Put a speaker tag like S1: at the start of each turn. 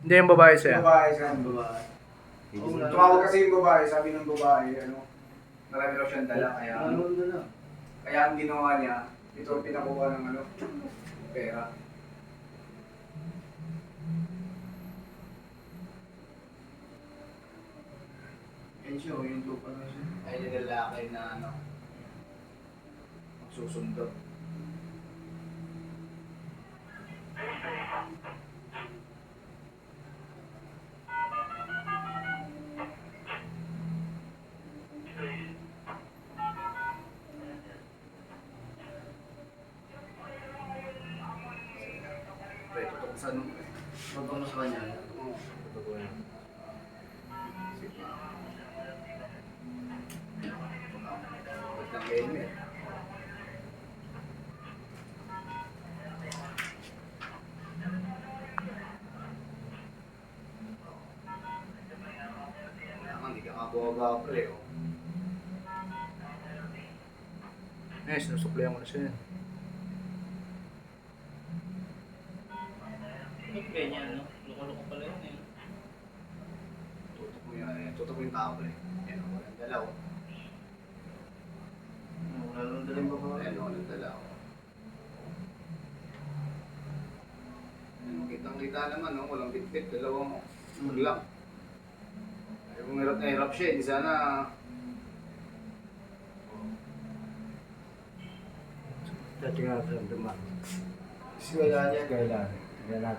S1: Hindi yung babae sa'yo.
S2: Babae siya.
S3: Babae.
S2: Tumawag kasi yung babae, sabi ng babae, marami raw siyang dala, kaya kaya ang ginawa niya, ito pinakuha ng pera.
S3: Yan siya, yung lupa na siya.
S2: Ay, yung lalaki na magsusundo. Pre, totoo sa
S3: Totoo mo sa kanya.
S2: Totoo yan. Sige. Ba't ng helmet? Kailangan, hindi ka kabawa pre, oh.
S1: Eh, sinusuklayan ko na siya.
S4: Ba't ganyan, no? Loko-loko pala yun eh.
S2: Tutok mo yan, eh. Tutok mo yung tao, pre. Yan, oh, walang dalaw.
S3: Wala nang daling babae.
S2: Ayan, walang dalaw. Kitang-kita naman, no? Walang bit-bit, dalawang lang. Ay, kung hirap na hirap siya, di sana...
S5: Sa tingnan sa dumaan.
S3: Kasi wala niya.
S5: Kailan? Kailan